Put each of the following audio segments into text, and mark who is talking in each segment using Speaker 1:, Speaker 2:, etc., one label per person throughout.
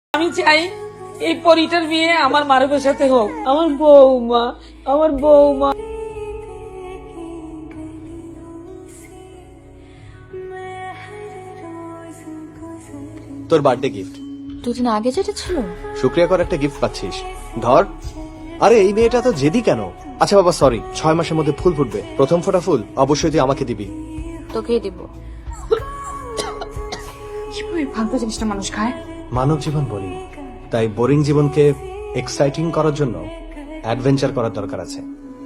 Speaker 1: আমি চাই এই পরিটার বিয়ে আমার মারুফের সাথে হোক। আমার বৌমা, আমার বৌমা।
Speaker 2: তোর বার্থডে গিফট।
Speaker 3: দুদিন আগে যেটা ছিল
Speaker 2: শুক্রিয়া করে একটা গিফট পাচ্ছিস, ধর। আরে এই মেয়েটা তো জেদি কেন? আচ্ছা বাবা সরি, 6 মাসের মধ্যে ফুল ফুটবে, প্রথম ফোটা ফুল অবশ্যই তুই আমাকে দিবি।
Speaker 3: তোকেই দিব।
Speaker 4: কিভাবে ফালতু জিনিসটা মানুষ খায়?
Speaker 2: মানব জীবন বলি, তাই বোরিং জীবনকে এক্সাইটিং করার জন্য অ্যাডভেঞ্চার করার দরকার আছে।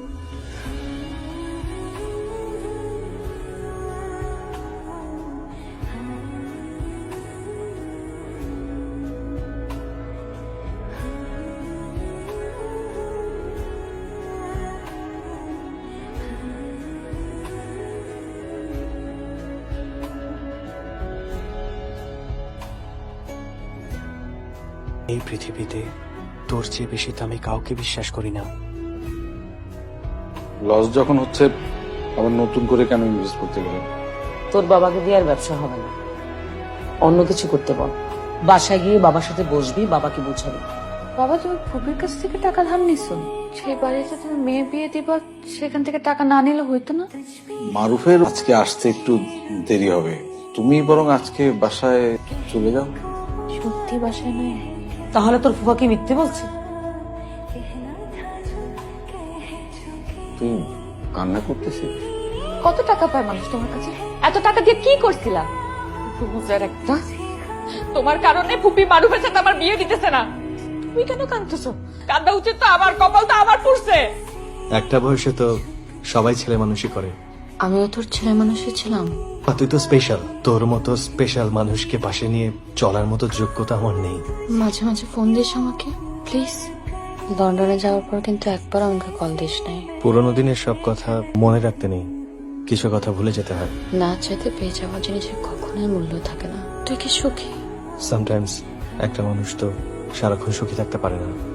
Speaker 2: এই পৃথিবীতে তোর চেয়ে বেশি তো আমি কাউকে বিশ্বাস করি না।
Speaker 5: লস যখন হচ্ছে আবার নতুন করে কেন ইনভেস্ট করতে গেলে?
Speaker 1: তোর বাবাকে দিয়ে আর ব্যবসা হবে না, অন্য কিছু করতে বল। বাসায় গিয়ে বাবার সাথে বসবি, বাবাকে বুঝাবি।
Speaker 3: বাবা, তুমি ফুপির কাছ থেকে টাকা ধার নিছো? সেই বাড়িতে তুমি মেয়ে বিয়ে দিবা, সেখান থেকে টাকা না নিলে হইতো না?
Speaker 5: মারুফের আজকে আসতে একটু দেরি হবে, তুমি বরং আজকে বাসায় চলে যাও।
Speaker 3: সত্যি বাসায় নাই?
Speaker 1: তাহলে তোর ফুফা কি মিথ্যে বলছে?
Speaker 5: তুই কান্না করতেছিস?
Speaker 3: কত টাকা পায় মানুষ তোমার কাছে? এত টাকা দিয়ে কি করছিলা?
Speaker 1: বুঝার একটা, তোমার কারণে ফুপি মারুফের সাথে আমার বিয়ে দিতেছে না। তুমি কেন কাঁদতেছো? কাঁদা উচিত তো আমার, কপাল তো আমার পুড়ছে।
Speaker 2: একটা বয়সে তো সবাই ছেলে মানুষই করে।
Speaker 3: আমিও তোর ছেলে মানুষই ছিলাম।
Speaker 2: আর তুই তো স্পেশাল, তোর মতো স্পেশাল মানুষকে পাশে নিয়ে চলার মতো যোগ্যতা আমার নেই।
Speaker 3: মাঝে মাঝে ফোন দিস আমাকে প্লিজ। লন্ডনে যাওয়ার পর কিন্তু একবার আমাকে কল দিস নাই।
Speaker 2: পুরোনো দিনের সব কথা মনে রাখতে নেই, কিছু কথা ভুলে যেতে হয়।
Speaker 3: না চাইতে পেয়ে যাওয়া জিনিসের কখনোই মূল্য থাকে না। তুই কি সুখী?
Speaker 2: সামটাইমস একটা মানুষ তো সারাক্ষণ সুখী থাকতে পারে না।